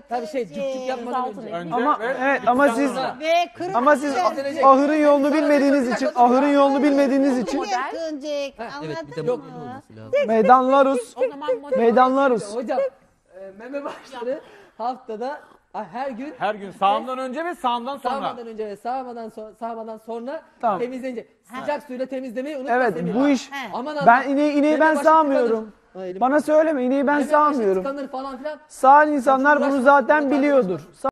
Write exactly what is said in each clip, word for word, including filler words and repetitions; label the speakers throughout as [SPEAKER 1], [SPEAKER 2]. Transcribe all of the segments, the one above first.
[SPEAKER 1] Tabii şey cüp cüp yapmadan önce.
[SPEAKER 2] önce
[SPEAKER 3] Ama
[SPEAKER 2] ve
[SPEAKER 3] evet ama siz
[SPEAKER 4] Ve kırmızı.
[SPEAKER 3] ama siz ahırın yolunu bilmediğiniz için ahırın yolunu bilmediğiniz için
[SPEAKER 4] Yakınacak.
[SPEAKER 1] Evet bir de
[SPEAKER 4] Anladın
[SPEAKER 1] model
[SPEAKER 4] mı?
[SPEAKER 1] olması lazım.
[SPEAKER 3] meydanlaruz.
[SPEAKER 5] O zaman model.
[SPEAKER 3] Meydanlaruz.
[SPEAKER 1] Hocam e, meme başları haftada a, her gün
[SPEAKER 2] her gün sağımdan önce ve sağımdan sonra.
[SPEAKER 1] sağmadan önce ve sağmadan sonra sağmadan sonra
[SPEAKER 3] Tamam.
[SPEAKER 1] temizlenecek. Sıcak suyla temizlemeyi unutma
[SPEAKER 3] Evet
[SPEAKER 1] Semih.
[SPEAKER 3] bu iş
[SPEAKER 1] Aman
[SPEAKER 3] ben
[SPEAKER 1] Allah.
[SPEAKER 3] ineği, ineği
[SPEAKER 1] Meme
[SPEAKER 3] ben
[SPEAKER 1] başı
[SPEAKER 3] sağmıyorum.
[SPEAKER 1] tıkanır. Ha, elim-
[SPEAKER 3] Bana söyleme ineği ben
[SPEAKER 1] Meme başı
[SPEAKER 3] sağmıyorum.
[SPEAKER 1] tıkanır falan filan.
[SPEAKER 3] Sağ insanlar bunu
[SPEAKER 1] uğraşma,
[SPEAKER 3] zaten
[SPEAKER 1] bununla
[SPEAKER 3] biliyordur.
[SPEAKER 1] tartışma.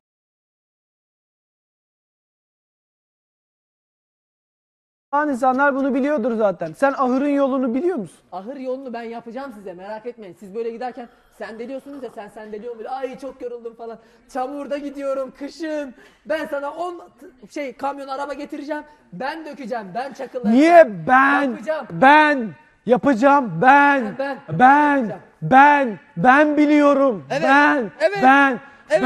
[SPEAKER 3] Sağ insanlar bunu biliyordur zaten. Sen ahırın yolunu biliyor musun?
[SPEAKER 1] Ahır yolunu ben yapacağım size, merak etmeyin. Siz böyle giderken sendeliyorsunuz ya, sen sendeliyor musun? Ay çok yoruldum falan. Çamurda gidiyorum kışın. Ben sana on şey kamyon araba getireceğim. Ben dökeceğim. Ben çakıllarım.
[SPEAKER 3] Niye ben
[SPEAKER 1] Yapacağım.
[SPEAKER 3] ben yapacağım ben
[SPEAKER 1] Ben,
[SPEAKER 3] ben
[SPEAKER 1] ben
[SPEAKER 3] ben
[SPEAKER 1] yapacağım.
[SPEAKER 3] ben, ben biliyorum
[SPEAKER 1] Evet,
[SPEAKER 3] ben
[SPEAKER 1] evet,
[SPEAKER 3] ben
[SPEAKER 1] evet,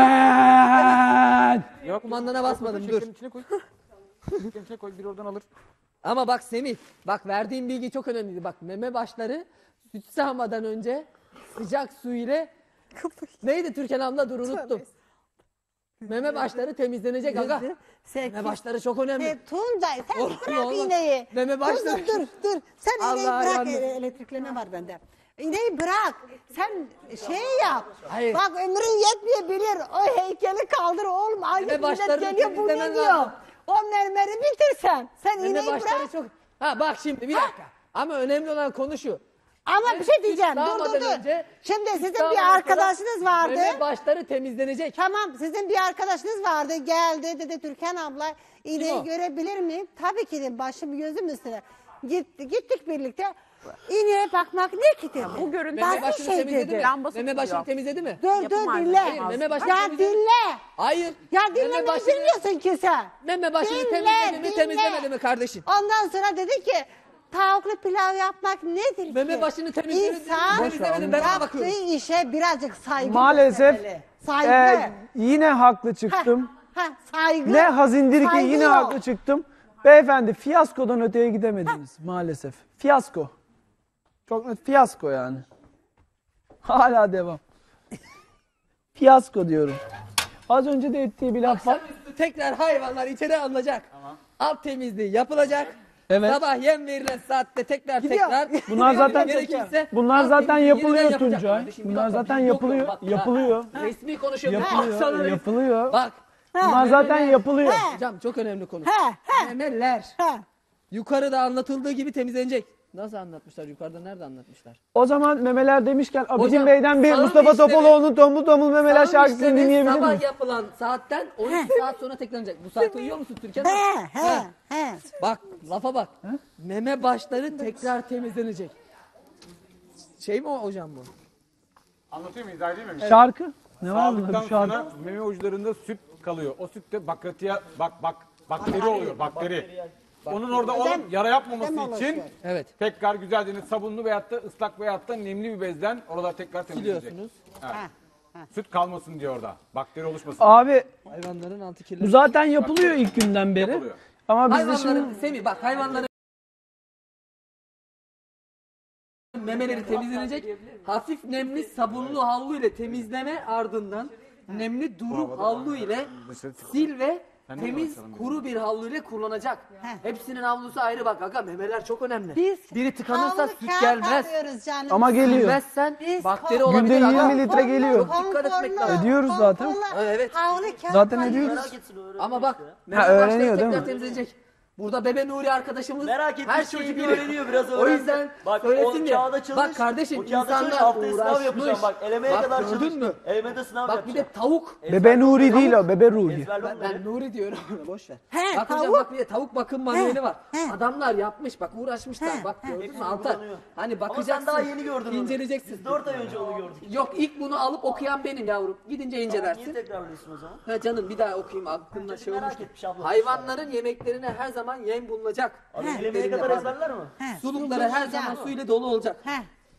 [SPEAKER 3] ben
[SPEAKER 2] Yok.
[SPEAKER 1] Kumandana basmadım, dur.
[SPEAKER 2] Şekerin içine koy. Şekerin içine koy, bir oradan alır.
[SPEAKER 1] Ama bak Semih, bak verdiğim bilgi çok önemliydi. Bak meme başları süt sağmadan önce sıcak su ile neydi Türkan abla, dur unuttum. Meme başları temizlenecek aga. Meme başları çok önemli.
[SPEAKER 4] E, Tuncay sen
[SPEAKER 1] Olur,
[SPEAKER 4] bırak
[SPEAKER 1] olmaz.
[SPEAKER 4] iğneyi.
[SPEAKER 1] Meme başları-
[SPEAKER 4] Dur dur dur. Sen iğneyi
[SPEAKER 1] Allah
[SPEAKER 4] bırak.
[SPEAKER 1] yandım.
[SPEAKER 4] E, Elektrikleme var bende. İğneyi bırak. Sen şey yap.
[SPEAKER 1] Hayır.
[SPEAKER 4] Bak ömrün yetmeyebilir. O heykeli kaldır oğlum. Aynı
[SPEAKER 1] Meme
[SPEAKER 4] millet
[SPEAKER 1] başlarını
[SPEAKER 4] geliyor bu ne
[SPEAKER 1] temizlemen
[SPEAKER 4] diyor.
[SPEAKER 1] lazım.
[SPEAKER 4] O mermeri bitirsen. Sen
[SPEAKER 1] Meme
[SPEAKER 4] iğneyi
[SPEAKER 1] başları
[SPEAKER 4] bırak.
[SPEAKER 1] çok... Ha bak şimdi bir dakika. Ama önemli olan konu şu.
[SPEAKER 4] Ama bir şey diyeceğim. Dur dur
[SPEAKER 1] Sağmadan
[SPEAKER 4] dur.
[SPEAKER 1] önce-
[SPEAKER 4] Şimdi sizin
[SPEAKER 1] Sağmadan
[SPEAKER 4] bir
[SPEAKER 1] sonra
[SPEAKER 4] arkadaşınız vardı.
[SPEAKER 1] Meme başları temizlenecek.
[SPEAKER 4] Tamam sizin bir arkadaşınız vardı geldi dedi Türkan abla
[SPEAKER 1] Kim
[SPEAKER 4] iğneyi
[SPEAKER 1] o?
[SPEAKER 4] görebilir miyim? Tabii ki de başım gözüm üstüne. Gitti, gittik birlikte iğneye bakmak ne ki dedi.
[SPEAKER 5] Bu görüntü
[SPEAKER 1] Meme
[SPEAKER 4] Basit
[SPEAKER 1] başını
[SPEAKER 4] şey
[SPEAKER 1] temizledi
[SPEAKER 4] dedi.
[SPEAKER 1] mi?
[SPEAKER 5] Lambası
[SPEAKER 1] Meme başını
[SPEAKER 5] tutuyor.
[SPEAKER 1] temizledi mi?
[SPEAKER 4] Dur
[SPEAKER 5] Yapım
[SPEAKER 4] dur
[SPEAKER 5] halinde
[SPEAKER 4] dinle.
[SPEAKER 5] olmaz.
[SPEAKER 1] Meme başını
[SPEAKER 4] Ya
[SPEAKER 1] temizledi mi?
[SPEAKER 4] dinle.
[SPEAKER 1] Hayır.
[SPEAKER 4] Ya
[SPEAKER 1] Meme
[SPEAKER 4] dinlemeyi
[SPEAKER 1] başını-
[SPEAKER 4] bilmiyorsun ki sen.
[SPEAKER 1] Meme başını
[SPEAKER 4] Dinle,
[SPEAKER 1] temizledi mi
[SPEAKER 4] dinle.
[SPEAKER 1] temizlemedi mi kardeşim?
[SPEAKER 4] Ondan sonra dedi ki tavuklu pilav yapmak nedir ki?
[SPEAKER 1] Meme başını temizledi mi
[SPEAKER 4] İnsan
[SPEAKER 1] temizlemedi mi? Ben ona bakıyorum.
[SPEAKER 4] yaptığı işe birazcık saygı
[SPEAKER 3] Maalesef
[SPEAKER 4] göstermeli. Saygı.
[SPEAKER 3] e, yine haklı çıktım.
[SPEAKER 4] Ha, saygı.
[SPEAKER 3] Ne hazindir ki
[SPEAKER 4] Saygı
[SPEAKER 3] yine
[SPEAKER 4] yok.
[SPEAKER 3] haklı çıktım. Beyefendi fiyaskodan öteye gidemediniz maalesef. Fiyasko. Çok net fiyasko yani. Hala devam. Fiyasko diyorum. Az önce de ettiği bir laf var.
[SPEAKER 1] Akşamüstü tekrar hayvanlar içeri alınacak. Alt temizliği yapılacak.
[SPEAKER 3] Evet.
[SPEAKER 1] Sabah yem verilen saatte tekrar
[SPEAKER 4] Gidiyor.
[SPEAKER 1] tekrar.
[SPEAKER 3] Bunlar zaten
[SPEAKER 1] gerekirse
[SPEAKER 3] bunlar
[SPEAKER 1] alt
[SPEAKER 3] zaten
[SPEAKER 1] temizliği
[SPEAKER 3] yapılıyor
[SPEAKER 1] yeniden yapacak
[SPEAKER 3] Tuncay.
[SPEAKER 1] kardeşim. Bir
[SPEAKER 3] Bunlar
[SPEAKER 1] dakika,
[SPEAKER 3] zaten
[SPEAKER 1] biz yok
[SPEAKER 3] yapılıyor.
[SPEAKER 1] yok. Bak,
[SPEAKER 3] Yapılıyor.
[SPEAKER 1] ha, Resmi konuşuyorum.
[SPEAKER 3] Yapılıyor.
[SPEAKER 1] Bak, sana-
[SPEAKER 3] Yapılıyor.
[SPEAKER 1] Bak.
[SPEAKER 3] Bunlar zaten yapılıyor.
[SPEAKER 1] Hocam çok önemli konu.
[SPEAKER 4] He, he.
[SPEAKER 1] Memeler.
[SPEAKER 4] He.
[SPEAKER 1] Yukarıda anlatıldığı gibi temizlenecek. Nasıl anlatmışlar? Yukarıda nerede anlatmışlar?
[SPEAKER 3] O zaman memeler demişken Abidin
[SPEAKER 1] Hocam,
[SPEAKER 3] Bey'den bir
[SPEAKER 1] sağım
[SPEAKER 3] Mustafa
[SPEAKER 1] işlemi-
[SPEAKER 3] Topaloğlu'nun Tombul Tombul Memeler
[SPEAKER 1] Sağım
[SPEAKER 3] şarkısını
[SPEAKER 1] işlemi
[SPEAKER 3] dinleyebilir
[SPEAKER 1] sabah
[SPEAKER 3] miyiz?
[SPEAKER 1] yapılan saatten on üç saat sonra tekrarlanacak. Bu saat uyuyor musun Türkan?
[SPEAKER 4] He, he, he.
[SPEAKER 1] Bak lafa bak. Meme başları tekrar temizlenecek. Şey mi o hocam bu?
[SPEAKER 2] Anlatıyor mu? İzah edeyim mi?
[SPEAKER 3] Şarkı? Ne var bunda
[SPEAKER 2] Aldıktan
[SPEAKER 3] bir şarkı?
[SPEAKER 2] sonra meme uçlarında süt kalıyor. O sütte bakteriya bak bak bakteri oluyor, bakteri. Onun orada olup yara yapmaması
[SPEAKER 4] Ödem
[SPEAKER 2] için
[SPEAKER 4] oluşuyor.
[SPEAKER 1] Evet.
[SPEAKER 2] tekrar güzelce sabunlu veyahut da ıslak veyahut da nemli bir bezden oralar tekrar temizlenecek.
[SPEAKER 1] Biliyorsunuz.
[SPEAKER 2] Süt kalmasın diyor orada. Bakteri oluşmasın.
[SPEAKER 3] Abi
[SPEAKER 1] Hayvanların altı
[SPEAKER 3] bu
[SPEAKER 1] kirli.
[SPEAKER 3] zaten yapılıyor ilk günden beri.
[SPEAKER 2] Yapılıyor.
[SPEAKER 3] Ama biz de
[SPEAKER 1] Hayvanların,
[SPEAKER 3] şimdi
[SPEAKER 1] Semih bak hayvanların memeleri temizlenecek. Hafif nemli sabunlu havlu ile temizleme ardından nemli duru havlu ile sil ve temiz kuru bir havlu ile kullanacak. Hepsinin havlusu ayrı bak aga, memeler çok önemli.
[SPEAKER 4] Biz
[SPEAKER 1] Biri tıkanırsa
[SPEAKER 4] havlu
[SPEAKER 1] süt
[SPEAKER 4] kağıt
[SPEAKER 1] gelmez.
[SPEAKER 4] alıyoruz canım.
[SPEAKER 3] ama geliyor.
[SPEAKER 1] Bilmezsen
[SPEAKER 4] Biz
[SPEAKER 1] bakteri
[SPEAKER 4] Günde
[SPEAKER 1] olabilir
[SPEAKER 3] yirmi
[SPEAKER 1] aga.
[SPEAKER 3] litre geliyor.
[SPEAKER 1] Dikkat etmek lazım.
[SPEAKER 3] Ediyoruz zaten.
[SPEAKER 4] Konforlu
[SPEAKER 1] Evet.
[SPEAKER 4] Havlu kağıt
[SPEAKER 3] Zaten
[SPEAKER 4] alıyoruz.
[SPEAKER 3] ediyoruz.
[SPEAKER 1] Ama bak meme
[SPEAKER 3] Ha,
[SPEAKER 1] başları
[SPEAKER 3] öğreniyor değil
[SPEAKER 1] tekrar
[SPEAKER 3] mi?
[SPEAKER 1] temizlenecek. Burada Bebe Nuri arkadaşımız
[SPEAKER 6] Merak etmiş
[SPEAKER 1] her şeyi
[SPEAKER 6] çocuk
[SPEAKER 1] biliyor.
[SPEAKER 6] öğreniyor, biraz
[SPEAKER 1] O
[SPEAKER 6] öğrensin.
[SPEAKER 1] yüzden
[SPEAKER 6] Bak,
[SPEAKER 1] söylesin
[SPEAKER 6] o
[SPEAKER 1] diye.
[SPEAKER 6] kağıda çalış,
[SPEAKER 1] Bak kardeşim
[SPEAKER 6] o kağıda çalış,
[SPEAKER 1] insanlar
[SPEAKER 6] haftaya sınav
[SPEAKER 1] uğraşmış.
[SPEAKER 6] yapacağım, bak, elemeye
[SPEAKER 1] Bak,
[SPEAKER 6] kadar
[SPEAKER 1] gördün mü?
[SPEAKER 6] çalıştım. Elemede sınav
[SPEAKER 1] Bak bir
[SPEAKER 6] yapacağım.
[SPEAKER 1] de tavuk.
[SPEAKER 3] Bebe Nuri değil o, Bebe Ruhi.
[SPEAKER 6] Ezber
[SPEAKER 1] Ben, ben Nuri diyorum. Boş ver.
[SPEAKER 4] He,
[SPEAKER 1] bak hocam
[SPEAKER 4] tavuk.
[SPEAKER 1] bak bir de tavuk bakım manueli var.
[SPEAKER 4] he.
[SPEAKER 1] Adamlar yapmış bak, uğraşmışlar. Bak gördün mü
[SPEAKER 6] Hepsi
[SPEAKER 1] Altar?
[SPEAKER 6] uygulanıyor.
[SPEAKER 1] Hani
[SPEAKER 6] Ama
[SPEAKER 1] bakacaksın.
[SPEAKER 6] sen daha yeni gördün onu.
[SPEAKER 1] İnceleyeceksin.
[SPEAKER 6] Biz dört ay önce onu gördük.
[SPEAKER 1] Yok ilk bunu alıp okuyan benim yavrum. Gidince
[SPEAKER 6] Niye
[SPEAKER 1] incelersin.
[SPEAKER 6] tekrarlıyorsun o zaman?
[SPEAKER 1] Ha canım bir daha okuyayım aklımda
[SPEAKER 6] Çocuk
[SPEAKER 1] şey
[SPEAKER 6] merak
[SPEAKER 1] olmuştu.
[SPEAKER 6] etmiş abla.
[SPEAKER 1] Hayvanların yemeklerine her zaman yem bulunacak.
[SPEAKER 6] Abi elemeye
[SPEAKER 1] Yemeklerinde
[SPEAKER 6] kadar
[SPEAKER 1] pardon.
[SPEAKER 6] ezberler mi?
[SPEAKER 4] He.
[SPEAKER 1] Sulukları her zaman su ile dolu olacak.
[SPEAKER 4] He.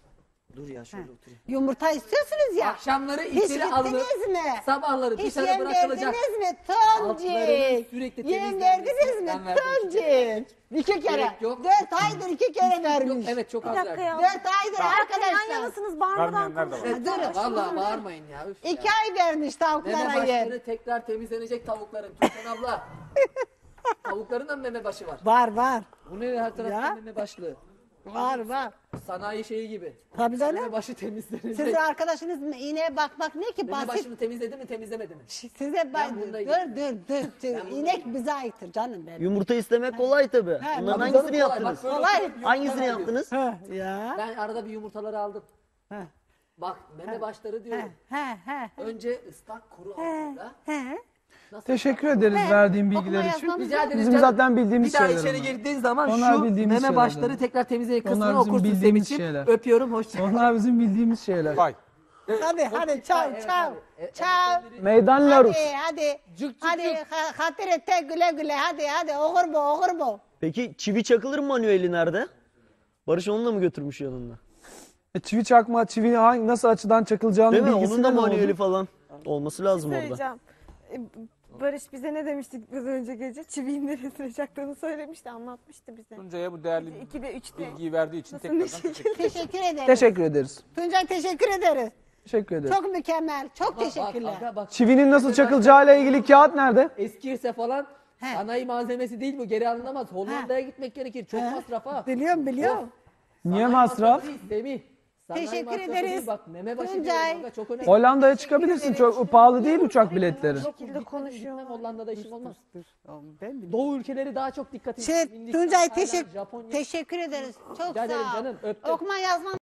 [SPEAKER 6] Dur ya şöyle oturayım.
[SPEAKER 4] Yumurta istiyorsunuz ya.
[SPEAKER 1] Akşamları
[SPEAKER 4] Hiç
[SPEAKER 1] içeri alınıp
[SPEAKER 4] gittiniz mi?
[SPEAKER 1] sabahları
[SPEAKER 4] Hiç
[SPEAKER 1] dışarı
[SPEAKER 4] yem
[SPEAKER 1] bırakılacak.
[SPEAKER 4] verdiniz mi?
[SPEAKER 1] Altlarının
[SPEAKER 4] Toncik.
[SPEAKER 1] sürekli
[SPEAKER 4] Yem
[SPEAKER 1] temizlenmesi.
[SPEAKER 4] verdiniz mi?
[SPEAKER 1] Ben verdim iki
[SPEAKER 4] Toncik. İki kere.
[SPEAKER 1] Gerek yok.
[SPEAKER 4] Dört aydır iki kere
[SPEAKER 1] Yok,
[SPEAKER 4] vermiş.
[SPEAKER 1] evet çok az
[SPEAKER 5] Bir dakika
[SPEAKER 1] verdim.
[SPEAKER 5] ya.
[SPEAKER 4] Dört aydır
[SPEAKER 5] Yan
[SPEAKER 4] arkadaşlar.
[SPEAKER 5] yanasınız bağırmadan
[SPEAKER 2] Vermeyenler de var.
[SPEAKER 5] konuşun.
[SPEAKER 4] Durun.
[SPEAKER 1] Valla bağırmayın ya. Üf ya.
[SPEAKER 4] İki ay vermiş tavuklara
[SPEAKER 1] Meme
[SPEAKER 4] yer.
[SPEAKER 1] başları tekrar temizlenecek tavukların. Türkan abla. Tavukların da mı meme başı var?
[SPEAKER 4] Var var.
[SPEAKER 1] Bu ne her tarafta
[SPEAKER 4] Ya.
[SPEAKER 1] meme başlığı.
[SPEAKER 4] Var var.
[SPEAKER 1] Sanayi şeyi gibi.
[SPEAKER 4] Tabii
[SPEAKER 1] Meme
[SPEAKER 4] canım.
[SPEAKER 1] başı temizlenecek.
[SPEAKER 4] Sizin arkadaşınız mı? İğneye bakmak ne ki
[SPEAKER 1] Meme
[SPEAKER 4] basit.
[SPEAKER 1] başını temizledi mi temizlemedi mi?
[SPEAKER 4] Size bak.
[SPEAKER 1] bununla
[SPEAKER 4] Dur
[SPEAKER 1] ilgili-
[SPEAKER 4] dur dur. dur. İnek bize aittir canım benim.
[SPEAKER 6] Yumurta istemek kolay tabi.
[SPEAKER 4] He,
[SPEAKER 6] Bunların
[SPEAKER 4] tabii
[SPEAKER 6] hangisini
[SPEAKER 1] Kolay, bak
[SPEAKER 6] yaptınız?
[SPEAKER 1] böyle
[SPEAKER 4] Kolay.
[SPEAKER 1] oturup yumurta
[SPEAKER 6] Hangisini
[SPEAKER 1] veriyor.
[SPEAKER 6] yaptınız?
[SPEAKER 4] Ha, ya.
[SPEAKER 1] Ben arada bir yumurtaları aldım.
[SPEAKER 4] Ha.
[SPEAKER 1] Bak meme başları
[SPEAKER 4] He
[SPEAKER 1] diyorum.
[SPEAKER 4] he he.
[SPEAKER 1] Önce ıslak kuru altında.
[SPEAKER 4] He.
[SPEAKER 1] Nasıl?
[SPEAKER 3] Teşekkür ederiz verdiğin
[SPEAKER 4] Okuma
[SPEAKER 3] bilgiler için.
[SPEAKER 4] yazmamız
[SPEAKER 1] Rica ederiz
[SPEAKER 3] Bizim
[SPEAKER 1] canım.
[SPEAKER 3] zaten bildiğimiz
[SPEAKER 1] Bir daha
[SPEAKER 3] şeyler
[SPEAKER 1] içeri
[SPEAKER 3] onlar.
[SPEAKER 1] girdiğin zaman
[SPEAKER 3] Onlar
[SPEAKER 1] şu
[SPEAKER 3] bildiğimiz
[SPEAKER 1] meme
[SPEAKER 3] şeyler
[SPEAKER 1] başları
[SPEAKER 3] canım.
[SPEAKER 1] tekrar temizleyin kısmını
[SPEAKER 3] Onlar bizim
[SPEAKER 1] okursun
[SPEAKER 3] bildiğimiz
[SPEAKER 1] Semih'ciğim.
[SPEAKER 3] şeyler.
[SPEAKER 1] Öpüyorum hoşça.
[SPEAKER 3] Onlar bizim bildiğimiz şeyler.
[SPEAKER 2] Vay.
[SPEAKER 4] Hadi hadi çav
[SPEAKER 1] Evet,
[SPEAKER 4] çav.
[SPEAKER 1] hadi. E-
[SPEAKER 4] Çav.
[SPEAKER 3] Meydan Larus.
[SPEAKER 4] Hadi hadi.
[SPEAKER 1] Cık cık
[SPEAKER 4] Hadi
[SPEAKER 1] cık.
[SPEAKER 4] ha- hatır et de güle güle hadi hadi okur bu okur bu.
[SPEAKER 6] Peki çivi çakılır mı manueli nerede? Barış onu da mı götürmüş yanında?
[SPEAKER 3] E, çivi çakma, çivi hangi, nasıl açıdan çakılacağını
[SPEAKER 6] Değil mi?
[SPEAKER 3] bilgisi
[SPEAKER 6] Onun da
[SPEAKER 3] ne oldu?
[SPEAKER 6] manueli falan olması lazım orada.
[SPEAKER 5] Söyleyeceğim. E, Barış bize ne demiştik biraz önce gece? Çiviğin neresine çaktığını söylemişti, anlatmıştı bize.
[SPEAKER 2] Tuncay'a bu değerli
[SPEAKER 5] ikide, üçte.
[SPEAKER 2] bilgiyi verdiği için
[SPEAKER 5] Nasıl
[SPEAKER 2] tekrardan
[SPEAKER 5] bir şey?
[SPEAKER 2] teşekkür ederim.
[SPEAKER 4] Teşekkür ederiz.
[SPEAKER 3] Teşekkür ederiz.
[SPEAKER 4] Tuncay teşekkür ederiz.
[SPEAKER 3] Teşekkür ederiz.
[SPEAKER 4] Çok mükemmel. Çok
[SPEAKER 1] Bak,
[SPEAKER 4] teşekkürler.
[SPEAKER 1] bak, bak.
[SPEAKER 3] Çivinin nasıl çakılacağıyla ilgili kağıt nerede?
[SPEAKER 1] Eskirse falan
[SPEAKER 4] He.
[SPEAKER 1] sanayi malzemesi değil bu geri alınamaz. Hollanda'ya gitmek gerekir. Çok masraf ha.
[SPEAKER 4] Biliyorum biliyorum.
[SPEAKER 3] Niye
[SPEAKER 1] Sanayi
[SPEAKER 3] masraf?
[SPEAKER 1] değil, Semih. Sanayi
[SPEAKER 4] Teşekkür
[SPEAKER 1] masrafı
[SPEAKER 4] ederiz.
[SPEAKER 1] değil, bak meme başı
[SPEAKER 4] Tuncay.
[SPEAKER 1] diyorum aga, çok önemli.
[SPEAKER 3] Hollanda'ya çıkabilirsin. Çok pahalı değil uçak biletleri.
[SPEAKER 5] Bu şekilde konuşuyor.
[SPEAKER 1] Gitmem Hollanda'da işim olmaz. Doğu ülkeleri daha çok dikkat
[SPEAKER 4] Şey,
[SPEAKER 1] ediyor. Hindistan,
[SPEAKER 4] Tuncay
[SPEAKER 1] Tayland,
[SPEAKER 4] teşekkür
[SPEAKER 1] Japonya.
[SPEAKER 4] teşekkür ederiz. Çok
[SPEAKER 1] Rica ederim
[SPEAKER 4] sağ ol.
[SPEAKER 1] canım, öptüm.
[SPEAKER 4] Okuma yazmamız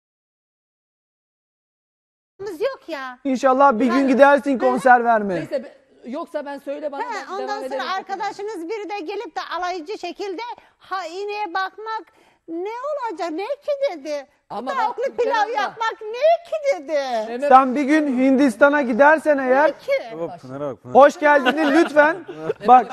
[SPEAKER 4] yok ya.
[SPEAKER 3] İnşallah bir gün gidersin konser vermeye.
[SPEAKER 1] Neyse be- yoksa ben söyle bana.
[SPEAKER 4] He,
[SPEAKER 1] ben
[SPEAKER 4] ondan
[SPEAKER 1] devam
[SPEAKER 4] sonra
[SPEAKER 1] ederim.
[SPEAKER 4] arkadaşınız biri de gelip de alaycı şekilde ha iğneye bakmak ne olacak ne ki dedi.
[SPEAKER 1] Ama bak,
[SPEAKER 4] Tavuklu
[SPEAKER 1] Türkan
[SPEAKER 4] pilav
[SPEAKER 1] abla.
[SPEAKER 4] yapmak ne ki dedi.
[SPEAKER 1] Meme-
[SPEAKER 3] Sen bir gün Hindistan'a gidersen eğer
[SPEAKER 4] Ne ki?
[SPEAKER 2] Pınar'a bak Pınar.
[SPEAKER 3] hoş geldini lütfen. Bak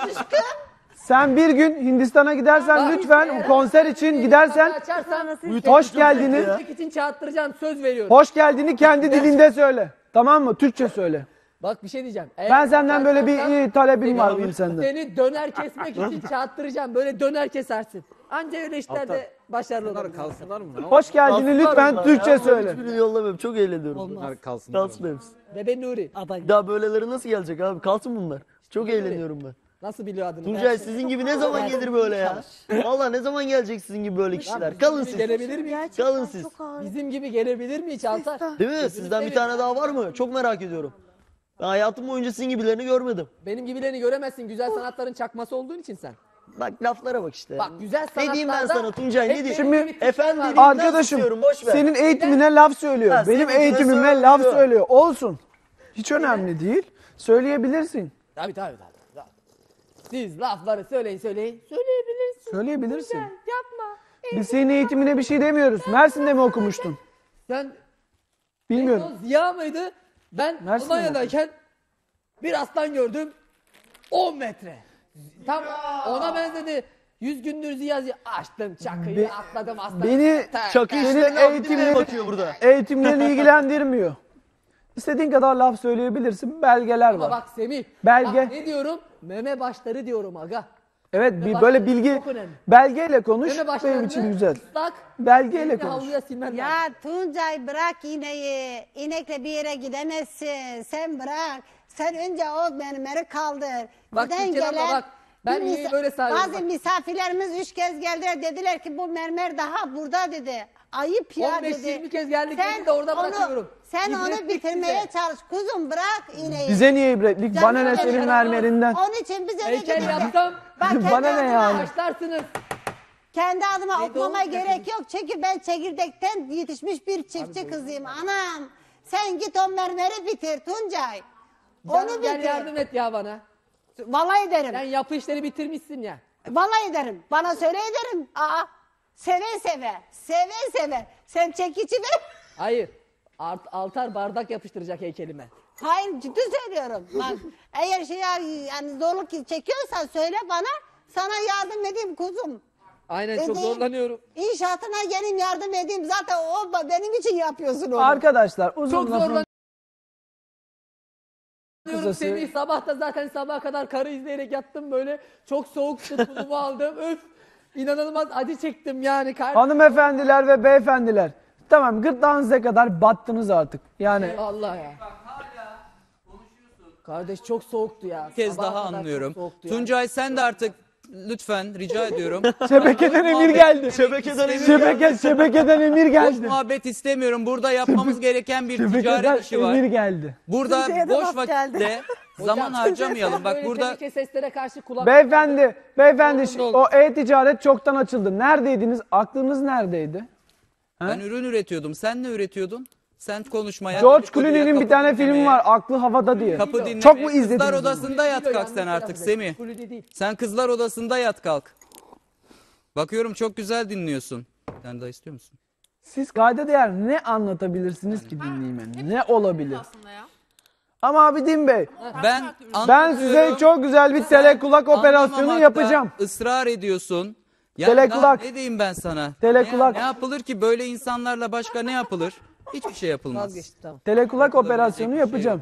[SPEAKER 3] sen bir gün Hindistan'a gidersen
[SPEAKER 1] Bak,
[SPEAKER 3] lütfen
[SPEAKER 1] eğer-
[SPEAKER 3] konser için gidersen
[SPEAKER 1] açarsan
[SPEAKER 3] hoş geldini
[SPEAKER 1] müzik için çağırttıracağım söz veriyorum.
[SPEAKER 3] hoş geldini kendi dilinde söyle. Tamam mı? Türkçe söyle.
[SPEAKER 1] Bak bir şey diyeceğim. Eğer
[SPEAKER 3] Ben senden böyle bir
[SPEAKER 1] açarsan
[SPEAKER 3] e, talebim
[SPEAKER 1] seni-
[SPEAKER 3] var benim senden.
[SPEAKER 1] Seni döner kesmek için çağırttıracağım. Böyle döner kesersin. Anca öyle işlerde başarılı
[SPEAKER 2] Bunlar
[SPEAKER 1] olursun.
[SPEAKER 2] kalsınlar mı?
[SPEAKER 3] Hoş geldini lütfen Türkçe söyle.
[SPEAKER 6] Hiçbirini yollamıyorum. Çok eğleniyorum.
[SPEAKER 2] Bunlar kalsınlar.
[SPEAKER 6] Kalsın hepsi.
[SPEAKER 1] Bebe Nuri.
[SPEAKER 6] Bir daha böyleleri nasıl gelecek abi? Kalsın bunlar. Çok eğleniyorum ben.
[SPEAKER 1] Nasıl biliyor adını?
[SPEAKER 6] Tuncay sizin gibi ne zaman gelir böyle ya? Valla ne zaman gelecek sizin gibi böyle kişiler? Kalın
[SPEAKER 1] Bizim gibi
[SPEAKER 6] siz.
[SPEAKER 1] Gelebilir mi?
[SPEAKER 6] Kalın siz.
[SPEAKER 5] Çok ağır.
[SPEAKER 1] Bizim gibi gelebilir mi hiç Altar?
[SPEAKER 6] Değil mi? Sizden bir tane daha var mı? Çok merak ediyorum. Ben hayatım boyunca sizin gibilerini görmedim.
[SPEAKER 1] Benim gibilerini göremezsin. Güzel sanatların çakması olduğun için sen.
[SPEAKER 6] Bak laflara bak işte.
[SPEAKER 1] Bak güzel
[SPEAKER 6] Ne
[SPEAKER 1] sanatlarda...
[SPEAKER 6] diyeyim ben sana Tuncay?
[SPEAKER 1] hep
[SPEAKER 6] Ne diyeyim?
[SPEAKER 1] benim
[SPEAKER 3] Şimdi-
[SPEAKER 1] gibi tipler
[SPEAKER 6] Efendim
[SPEAKER 1] var.
[SPEAKER 6] dediğim-
[SPEAKER 3] Arkadaşım
[SPEAKER 6] istiyorum, boş ver.
[SPEAKER 3] senin eğitimine laf söylüyor.
[SPEAKER 6] Ha,
[SPEAKER 3] Benim
[SPEAKER 6] senin
[SPEAKER 3] eğitimime
[SPEAKER 6] söylüyor.
[SPEAKER 3] laf söylüyor. Olsun. Hiç önemli değil. Söyleyebilirsin.
[SPEAKER 1] Tabii tabii tabii. tabii. Siz lafları söyleyin söyleyin. Söyleyebilirsin.
[SPEAKER 3] Söyleyebilirsin.
[SPEAKER 1] Yapma.
[SPEAKER 3] Biz senin eğitimine bir şey demiyoruz. Mersin'de mi okumuştun?
[SPEAKER 1] Sen
[SPEAKER 3] Bilmiyorum.
[SPEAKER 1] o Ziya mıydı? Ben
[SPEAKER 3] Mersin'de mi
[SPEAKER 1] Almanya'dayken bir aslan gördüm. on metre. Tam ona benzedi. Yüz gündür Ziya Ziya. Açtım çakıyı
[SPEAKER 3] Be-
[SPEAKER 1] atladım aslan.
[SPEAKER 3] Beni
[SPEAKER 1] Tak,
[SPEAKER 6] Çakı
[SPEAKER 1] tak.
[SPEAKER 6] işlerine
[SPEAKER 3] Senin
[SPEAKER 6] eğitimine
[SPEAKER 3] eğitimleri-
[SPEAKER 6] bakıyor burada.
[SPEAKER 3] eğitimlerin ilgilendirmiyor. İstediğin kadar laf söyleyebilirsin. Belgeler
[SPEAKER 1] Ama
[SPEAKER 3] var.
[SPEAKER 1] bak Semih.
[SPEAKER 3] Belge.
[SPEAKER 1] Bak ne diyorum? Meme başları diyorum aga.
[SPEAKER 3] Evet bir
[SPEAKER 1] başları
[SPEAKER 3] böyle bilgi
[SPEAKER 1] çok önemli.
[SPEAKER 3] belgeyle konuş.
[SPEAKER 1] Meme başlarını
[SPEAKER 3] Benim için güzel.
[SPEAKER 1] ıslak.
[SPEAKER 3] Belgeyle
[SPEAKER 1] elini
[SPEAKER 3] konuş.
[SPEAKER 1] havluya silmen lazım.
[SPEAKER 4] Ya Tuncay bırak iğneyi. İnekle bir yere gidemezsin. Sen bırak. Sen önce o mermeri kaldır.
[SPEAKER 1] Bak
[SPEAKER 4] Giden
[SPEAKER 1] Türkan abla bak, ben
[SPEAKER 4] bir
[SPEAKER 1] iğneyi
[SPEAKER 4] misa-
[SPEAKER 1] böyle sarıyorum,
[SPEAKER 4] Bazı
[SPEAKER 1] bak.
[SPEAKER 4] misafirlerimiz üç kez geldiler. Dediler ki bu mermer daha burada dedi. Ayıp ya
[SPEAKER 1] on beş
[SPEAKER 4] dedi.
[SPEAKER 1] yirmi kez geldik dedi de orada
[SPEAKER 4] onu,
[SPEAKER 1] bırakıyorum.
[SPEAKER 4] Sen onu
[SPEAKER 1] İbretlik
[SPEAKER 4] bitirmeye
[SPEAKER 1] bize.
[SPEAKER 4] çalış. Kuzum bırak iğneyi.
[SPEAKER 3] Bize niye ibretlik? Bana ne
[SPEAKER 4] Canım
[SPEAKER 3] senin
[SPEAKER 4] benim.
[SPEAKER 3] mermerinden?
[SPEAKER 4] Onun için bize de
[SPEAKER 1] Heykel
[SPEAKER 4] gidin de-
[SPEAKER 1] yapsam
[SPEAKER 4] Bak kendi
[SPEAKER 3] Bana ne
[SPEAKER 4] adıma-
[SPEAKER 3] yani?
[SPEAKER 1] başlarsınız.
[SPEAKER 4] Kendi adıma
[SPEAKER 1] Ne
[SPEAKER 4] okumama
[SPEAKER 1] doğru
[SPEAKER 4] gerek yok. Çünkü ben çekirdekten yetişmiş bir çiftçi kızıyım. Anam sen git o mermeri bitir Tuncay. Onu
[SPEAKER 1] Canım gel
[SPEAKER 4] bitir.
[SPEAKER 1] yardım et ya bana.
[SPEAKER 4] Vallahi ederim.
[SPEAKER 1] Sen yapı işleri bitirmişsin ya.
[SPEAKER 4] Vallahi ederim. Bana söyle ederim. Aa, seve seve. Seve seve. Sen çekici ver.
[SPEAKER 1] Hayır. Art, altar bardak yapıştıracak heykelime.
[SPEAKER 4] Hayır ciddi söylüyorum. Bak eğer şey yani zorluk çekiyorsan söyle bana. Sana yardım edeyim kuzum.
[SPEAKER 1] Aynen
[SPEAKER 4] Ben
[SPEAKER 1] çok
[SPEAKER 4] de
[SPEAKER 1] zorlanıyorum.
[SPEAKER 4] İnşaatına gelin yardım edeyim. Zaten o benim için yapıyorsun onu.
[SPEAKER 3] Arkadaşlar uzun
[SPEAKER 1] Çok
[SPEAKER 3] lafın
[SPEAKER 1] zorlanıyorum
[SPEAKER 3] kısası.
[SPEAKER 1] Semih. Sabah da zaten sabaha kadar karı izleyerek yattım böyle. Çok soğuktu, tulumu aldım. Öf. İnanılmaz acı çektim yani. Kar-
[SPEAKER 3] Hanımefendiler ve beyefendiler. Tamam gırtlağınıza kadar battınız artık. Yani
[SPEAKER 1] Allah ya. Kardeş çok soğuktu ya.
[SPEAKER 7] Bir kez
[SPEAKER 1] Sabaha
[SPEAKER 7] daha
[SPEAKER 1] kadar çok
[SPEAKER 7] anlıyorum.
[SPEAKER 1] soğuktu ya.
[SPEAKER 7] Tuncay sen de artık lütfen rica ediyorum.
[SPEAKER 3] şebekeden emir geldi.
[SPEAKER 6] Şebekeden emir
[SPEAKER 3] Şebeke, şebekeden emir
[SPEAKER 7] Boş
[SPEAKER 3] geldi.
[SPEAKER 7] muhabbet istemiyorum. Burada yapmamız gereken bir
[SPEAKER 3] Şebekeden
[SPEAKER 7] ticaret işi var.
[SPEAKER 3] emir geldi.
[SPEAKER 7] Burada
[SPEAKER 5] Tuncay'a da
[SPEAKER 7] boş
[SPEAKER 5] laf geldi.
[SPEAKER 7] vakitte zaman harcamayalım. Bak
[SPEAKER 1] Böyle
[SPEAKER 7] burada
[SPEAKER 1] tehlike seslere karşı kulak...
[SPEAKER 3] Beyefendi, beyefendi
[SPEAKER 1] Oldu, oldu.
[SPEAKER 3] o e-ticaret çoktan açıldı. Neredeydiniz? Aklınız neredeydi?
[SPEAKER 7] ben ürün üretiyordum. Sen ne üretiyordun? Sen konuşmaya.
[SPEAKER 3] George
[SPEAKER 7] dedikoduya,
[SPEAKER 3] Clooney'nin bir
[SPEAKER 7] kapı
[SPEAKER 3] tane
[SPEAKER 7] dinlemeye,
[SPEAKER 3] filmi var. Aklı havada diye.
[SPEAKER 7] Kapı dinlemeye.
[SPEAKER 3] Çok mu izlediniz?
[SPEAKER 7] Kızlar
[SPEAKER 3] bunu?
[SPEAKER 7] odasında yat kalk sen
[SPEAKER 1] Yanlış
[SPEAKER 7] artık
[SPEAKER 1] telaffuz
[SPEAKER 7] Semih.
[SPEAKER 1] ettim. Kulüde değil.
[SPEAKER 7] Sen kızlar odasında yat kalk. Bakıyorum çok güzel dinliyorsun. Sen daha istiyor musun?
[SPEAKER 3] Siz kayda değer ne anlatabilirsiniz ki dinleyime? Ne olabilir? Ama Abidin Bey,
[SPEAKER 7] Ben
[SPEAKER 3] ben size
[SPEAKER 7] anlatıyorum.
[SPEAKER 3] çok güzel bir telekulak operasyonu
[SPEAKER 7] Anlamamakta
[SPEAKER 3] yapacağım.
[SPEAKER 7] ısrar ediyorsun. Yani
[SPEAKER 3] Telekulak.
[SPEAKER 7] daha ne diyeyim ben sana?
[SPEAKER 3] Telekulak.
[SPEAKER 7] Ne, ne yapılır ki böyle insanlarla başka ne yapılır? Hiçbir şey yapılmaz.
[SPEAKER 1] Vazgeçtim tamam.
[SPEAKER 3] Telekulak operasyonu
[SPEAKER 7] bir şey
[SPEAKER 3] yapacağım.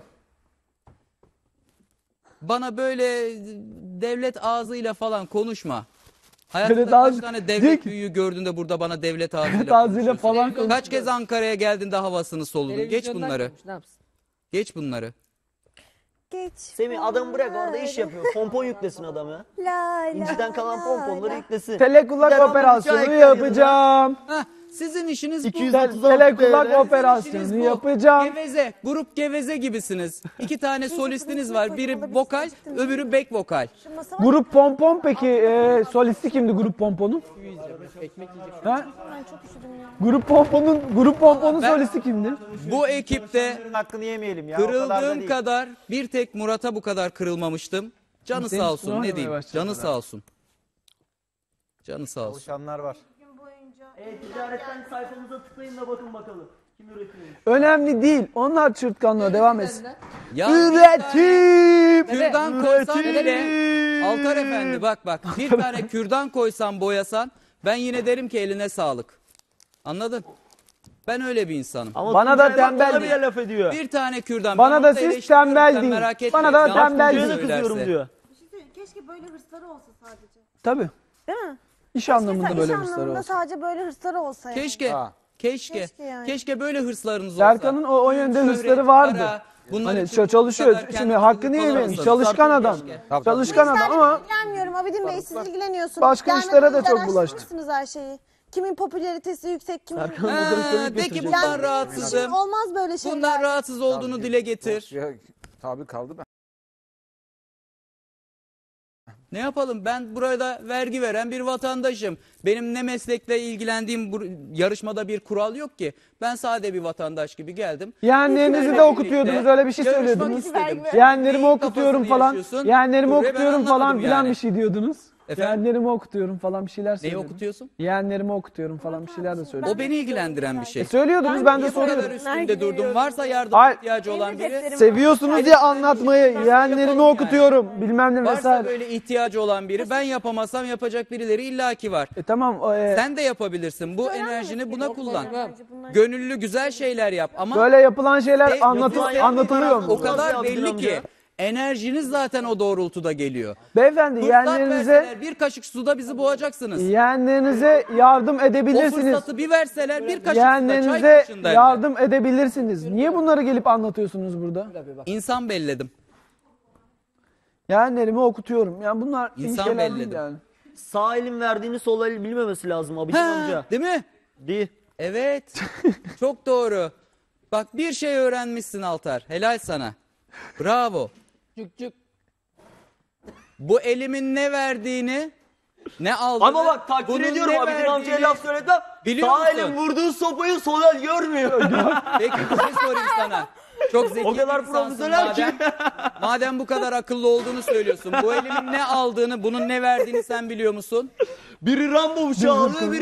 [SPEAKER 7] Bana böyle devlet ağzıyla falan konuşma. Hayatında
[SPEAKER 3] Devlet
[SPEAKER 7] kaç
[SPEAKER 3] ağzı-
[SPEAKER 7] tane
[SPEAKER 3] Diyor
[SPEAKER 7] devlet
[SPEAKER 3] ki-
[SPEAKER 7] büyüğü gördün de burada bana devlet ağzıyla
[SPEAKER 3] Devlet ağzıyla
[SPEAKER 7] konuşuyorsun?
[SPEAKER 3] falan
[SPEAKER 1] Televizyon-
[SPEAKER 3] konuş.
[SPEAKER 7] Kaç kez Ankara'ya geldin de havasını soludun? Geç
[SPEAKER 1] Televizyondan
[SPEAKER 7] bunları.
[SPEAKER 1] görmüş, ne yapsın?
[SPEAKER 7] Geç bunları.
[SPEAKER 5] Geç.
[SPEAKER 6] Semih adam bırak orada iş yapıyor. Pompon yüklesin adam ya.
[SPEAKER 5] La la
[SPEAKER 6] İnciden kalan
[SPEAKER 5] la
[SPEAKER 6] pomponları
[SPEAKER 5] la.
[SPEAKER 6] yüklesin.
[SPEAKER 3] Telekulak
[SPEAKER 6] Gider alır
[SPEAKER 3] operasyonu
[SPEAKER 6] bıçağı ekler yanına.
[SPEAKER 3] yapacağım.
[SPEAKER 7] Heh, sizin işiniz bu.
[SPEAKER 6] iki yüz
[SPEAKER 3] Tel-
[SPEAKER 6] otuz altı
[SPEAKER 3] telekulak
[SPEAKER 6] T L.
[SPEAKER 3] operasyonu
[SPEAKER 7] İşiniz bu.
[SPEAKER 3] yapacağım.
[SPEAKER 7] Geveze, grup geveze gibisiniz. İki tane solistiniz var. Biri vokal, öbürü back vokal.
[SPEAKER 5] Şu masa var.
[SPEAKER 3] Grup Pompon peki e, solisti kimdi Grup Pompon'un? Ha?
[SPEAKER 5] Ben çok üşüdüm ya.
[SPEAKER 3] Grup Pompon'un Grup Pompon'un
[SPEAKER 7] Ben-
[SPEAKER 3] solisti kimdi?
[SPEAKER 7] Bu ekipte
[SPEAKER 8] Hakkını yemeyelim ya. o kadar da
[SPEAKER 7] kırıldığım
[SPEAKER 8] değil.
[SPEAKER 7] kadar bir tek Murat'a bu kadar kırılmamıştım. Canı
[SPEAKER 3] Senin
[SPEAKER 7] sağ
[SPEAKER 3] üstüne
[SPEAKER 7] olsun ne
[SPEAKER 3] oynamaya
[SPEAKER 7] diyeyim.
[SPEAKER 3] başladı.
[SPEAKER 7] Canı sağ olsun. Canı sağ olsun.
[SPEAKER 8] Çalışanlar var.
[SPEAKER 6] E-ticaretten sayfamıza tıklayın da bakın bakalım. Kim üretiyor?
[SPEAKER 3] Önemli değil. Onlar çırtkanlığa devam etsin.
[SPEAKER 7] Ya
[SPEAKER 3] Üretim!
[SPEAKER 7] kürdan koysan
[SPEAKER 3] Üretim!
[SPEAKER 7] bile Altar Efendi bak bak bir tane kürdan koysan boyasan ben yine derim ki eline sağlık. Anladın? Ben öyle bir insanım.
[SPEAKER 6] Ama
[SPEAKER 3] Bana da
[SPEAKER 6] Tuncay bak
[SPEAKER 3] tembel
[SPEAKER 6] bana
[SPEAKER 3] değil.
[SPEAKER 6] bile laf ediyor.
[SPEAKER 7] Bir tane kürdan.
[SPEAKER 3] Bana
[SPEAKER 7] Ben
[SPEAKER 3] da
[SPEAKER 7] onu
[SPEAKER 3] siz
[SPEAKER 7] eleştiriyorum,
[SPEAKER 3] tembel
[SPEAKER 7] sen
[SPEAKER 3] deyin.
[SPEAKER 7] merak etme.
[SPEAKER 3] Bana da
[SPEAKER 7] Yanlış
[SPEAKER 3] tembel
[SPEAKER 7] bir şey
[SPEAKER 6] Tuncay'a da
[SPEAKER 3] deyin.
[SPEAKER 6] kızıyorum
[SPEAKER 7] söylerse.
[SPEAKER 6] diyor.
[SPEAKER 5] Keşke böyle hırsları olsa sadece.
[SPEAKER 3] Tabii.
[SPEAKER 5] Değil mi?
[SPEAKER 3] İş anlamında
[SPEAKER 5] Mesela
[SPEAKER 3] böyle
[SPEAKER 5] iş
[SPEAKER 3] hırsları
[SPEAKER 5] anlamında
[SPEAKER 3] olsun.
[SPEAKER 5] sadece böyle hırsları olsa yani.
[SPEAKER 7] Keşke.
[SPEAKER 8] Ha.
[SPEAKER 7] Keşke.
[SPEAKER 5] Keşke yani.
[SPEAKER 7] Keşke böyle hırslarınız olsa.
[SPEAKER 3] Serkan'ın o, o yönde
[SPEAKER 7] Şöhret,
[SPEAKER 3] hırsları vardı.
[SPEAKER 7] para, bunlar
[SPEAKER 3] Hani
[SPEAKER 7] için
[SPEAKER 3] ço-
[SPEAKER 7] bu
[SPEAKER 3] çalışıyor.
[SPEAKER 7] kadar
[SPEAKER 3] Şimdi
[SPEAKER 7] kendinizi
[SPEAKER 3] hakkını yemeyin.
[SPEAKER 7] kullanamazsınız.
[SPEAKER 3] Çalışkan adam.
[SPEAKER 8] Tabii,
[SPEAKER 3] Çalışkan adam
[SPEAKER 5] Sizlerle
[SPEAKER 3] ama
[SPEAKER 5] ilgilenmiyorum Abidin Bey, siz ilgileniyorsunuz.
[SPEAKER 3] Başka
[SPEAKER 5] Dernek
[SPEAKER 3] işlere de
[SPEAKER 5] olarak
[SPEAKER 3] çok bulaştı.
[SPEAKER 5] araştırmışsınız her şeyi. Kimin popülaritesi yüksek, kimin...
[SPEAKER 6] Serkan
[SPEAKER 7] Ha,
[SPEAKER 6] moderatörlük
[SPEAKER 7] de ki
[SPEAKER 6] götürecek.
[SPEAKER 7] bundan
[SPEAKER 5] Yani
[SPEAKER 7] rahatsızım.
[SPEAKER 5] şimdi olmaz böyle şeyler.
[SPEAKER 7] Bundan rahatsız olduğunu dile getir.
[SPEAKER 8] Ya, tabii kaldı ben.
[SPEAKER 7] Ne yapalım? Ben burada vergi veren bir vatandaşım. Benim ne meslekle ilgilendiğim bu yarışmada bir kural yok ki. Ben sade bir vatandaş gibi geldim.
[SPEAKER 3] yeğenlerinizi de
[SPEAKER 7] Sizlerle
[SPEAKER 3] okutuyordunuz.
[SPEAKER 7] birlikte
[SPEAKER 3] Öyle bir şey
[SPEAKER 7] yarışmak
[SPEAKER 3] söylüyordunuz.
[SPEAKER 7] istedim.
[SPEAKER 3] Yeğenlerimi
[SPEAKER 7] Neyin
[SPEAKER 3] okutuyorum
[SPEAKER 7] kafasını
[SPEAKER 3] falan.
[SPEAKER 7] yaşıyorsun?
[SPEAKER 3] Yeğenlerimi
[SPEAKER 7] Dur be, ben
[SPEAKER 3] okutuyorum falan
[SPEAKER 7] anlamadım
[SPEAKER 3] filan
[SPEAKER 7] yani.
[SPEAKER 3] bir şey diyordunuz.
[SPEAKER 7] Efendim?
[SPEAKER 3] Yeğenlerimi okutuyorum falan bir şeyler
[SPEAKER 7] Neyi
[SPEAKER 3] söylüyordunuz.
[SPEAKER 7] okutuyorsun?
[SPEAKER 3] Yeğenlerimi okutuyorum falan bir şeyler de
[SPEAKER 7] O
[SPEAKER 3] söylüyordunuz.
[SPEAKER 7] beni ilgilendiren bir şey.
[SPEAKER 3] E söylüyordunuz ben de
[SPEAKER 7] Niye bu kadar
[SPEAKER 3] soruyorum.
[SPEAKER 7] üstünde durdum? Varsa yardım
[SPEAKER 3] Hayır.
[SPEAKER 7] ihtiyacı olan biri.
[SPEAKER 3] Seviyorsunuz ya anlatmayı. Yeğenlerimi
[SPEAKER 7] Yapalım yani.
[SPEAKER 3] okutuyorum. Bilmem ne
[SPEAKER 7] Varsa
[SPEAKER 3] vesaire.
[SPEAKER 7] böyle ihtiyacı olan biri. Ben yapamasam yapacak birileri illaki var.
[SPEAKER 3] E tamam. o, e,
[SPEAKER 7] Sen de yapabilirsin. Bu enerjini buna kullan.
[SPEAKER 5] Bence bunlar-
[SPEAKER 7] Gönüllü güzel şeyler yap ama
[SPEAKER 3] Böyle yapılan şeyler
[SPEAKER 7] E,
[SPEAKER 3] anlatı-
[SPEAKER 7] yapılan-
[SPEAKER 3] anlatılıyor
[SPEAKER 7] o
[SPEAKER 3] mu?
[SPEAKER 7] kadar
[SPEAKER 6] Nasıl
[SPEAKER 7] belli
[SPEAKER 6] yaptın
[SPEAKER 7] ki
[SPEAKER 6] amca?
[SPEAKER 7] enerjiniz zaten o doğrultuda geliyor.
[SPEAKER 3] Beyefendi
[SPEAKER 7] Fırsat
[SPEAKER 3] yeğenlerinize
[SPEAKER 7] verseler bir kaşık suda bizi boğacaksınız.
[SPEAKER 3] yeğenlerinize yardım
[SPEAKER 7] O
[SPEAKER 3] edebilirsiniz.
[SPEAKER 7] fırsatı bir verseler bir kaşık suda çay
[SPEAKER 3] Yeğenlerinize
[SPEAKER 7] kaşığında hem de.
[SPEAKER 3] yardım edebilirsiniz. Niye bunları gelip anlatıyorsunuz burada?
[SPEAKER 7] İnsan belledim.
[SPEAKER 3] Yeğenlerimi okutuyorum. Yani bunlar iyi
[SPEAKER 7] İnsan
[SPEAKER 3] şeyler değil
[SPEAKER 7] belledim.
[SPEAKER 3] yani.
[SPEAKER 6] Sağ elin verdiğini sol el bilmemesi lazım Abidin amca.
[SPEAKER 7] Ha, değil mi?
[SPEAKER 6] Değil.
[SPEAKER 7] Evet. Çok doğru. Bak bir şey öğrenmişsin Altar. Helal sana. Bravo.
[SPEAKER 1] Cük cük.
[SPEAKER 7] Bu elimin ne verdiğini, ne aldığını,
[SPEAKER 6] Ama bak takdir
[SPEAKER 7] bunun
[SPEAKER 6] ediyorum
[SPEAKER 7] ne
[SPEAKER 6] Abidin amcaya
[SPEAKER 7] verdiğini-
[SPEAKER 6] laf söyledim.
[SPEAKER 7] Biliyor
[SPEAKER 6] Sağ
[SPEAKER 7] musun?
[SPEAKER 6] elin vurduğu sopayı sol el görmüyor.
[SPEAKER 7] Peki bir şey sorayım sana. Çok zeki
[SPEAKER 6] O kadar
[SPEAKER 7] bir insansın
[SPEAKER 6] profesyonel ki.
[SPEAKER 7] madem. Madem bu kadar akıllı olduğunu söylüyorsun. Bu elimin ne aldığını, bunun ne verdiğini sen biliyor musun?
[SPEAKER 6] Biri Rambo bıçağı alıyor, biri